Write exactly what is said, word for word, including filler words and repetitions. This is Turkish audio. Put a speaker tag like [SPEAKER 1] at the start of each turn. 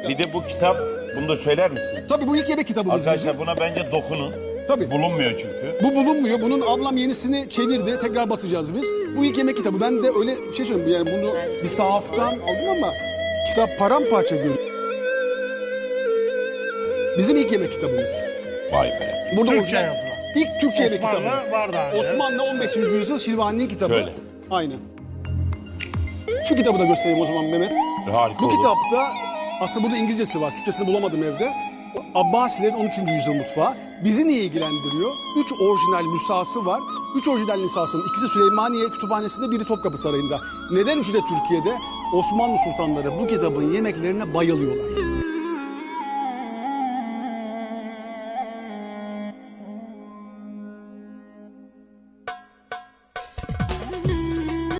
[SPEAKER 1] Bir de bu kitap, bunu da söyler misin?
[SPEAKER 2] Tabii bu ilk yemek kitabımız
[SPEAKER 1] Arkadaşlar
[SPEAKER 2] bizim.
[SPEAKER 1] buna bence dokunun.
[SPEAKER 2] Tabii.
[SPEAKER 1] Bulunmuyor çünkü.
[SPEAKER 2] Bu bulunmuyor. Bunun ablam yenisini çevirdi. Tekrar basacağız biz. Bu ilk yemek kitabı. Ben de öyle bir şey söyleyeyim. Yani bunu bir sahaftan aldım ama kitap paramparça görünüyor. Bizim ilk yemek kitabımız.
[SPEAKER 1] Vay be.
[SPEAKER 2] Burada
[SPEAKER 3] Türkçe
[SPEAKER 2] orijinal-
[SPEAKER 3] yazılı.
[SPEAKER 2] İlk Türkçe yemek kitabı.
[SPEAKER 3] Osmanlı var daha önce.
[SPEAKER 2] Osmanlı on beşinci yüzyıl Şirvani'nin kitabı.
[SPEAKER 1] Şöyle.
[SPEAKER 2] Aynen. Şu kitabı da göstereyim o zaman Mehmet.
[SPEAKER 1] Harika
[SPEAKER 2] Bu
[SPEAKER 1] olur.
[SPEAKER 2] kitapta aslında burada İngilizcesi var. Türkçesini bulamadım evde. Abbasilerin on üçüncü yüzyıl mutfağı. Bizi niye ilgilendiriyor? Üç orijinal nüshası var. Üç orijinal nüshasının ikisi Süleymaniye Kütüphanesi'nde, biri Topkapı Sarayı'nda. Neden üçü de Türkiye'de? Osmanlı sultanları bu kitabın yemeklerine bayılıyorlar.